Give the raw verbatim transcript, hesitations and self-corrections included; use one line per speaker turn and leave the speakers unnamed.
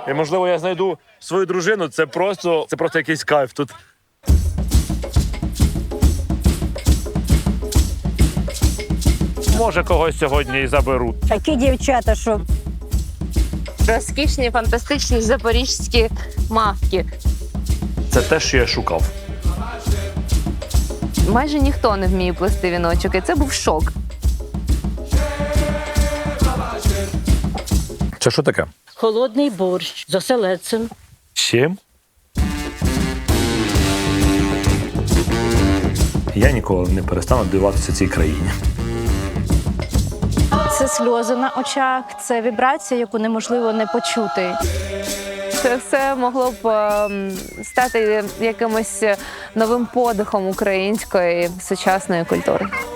І, можливо, я знайду свою дружину. Це просто, це просто якийсь кайф тут. Може, когось сьогодні і заберу.
Такі дівчата, що
Розкішні, фантастичні запорізькі мавки.
Це те, що я шукав.
Майже ніхто не вміє плести віночок, і це був шок.
Це що таке?
холодний борщ з оселедцем.
Чим? Я ніколи не перестану дивуватися цій країні.
Це сльози на очах, це вібрація, яку неможливо не почути.
Це все могло б ем, стати якимось новим подихом української сучасної культури.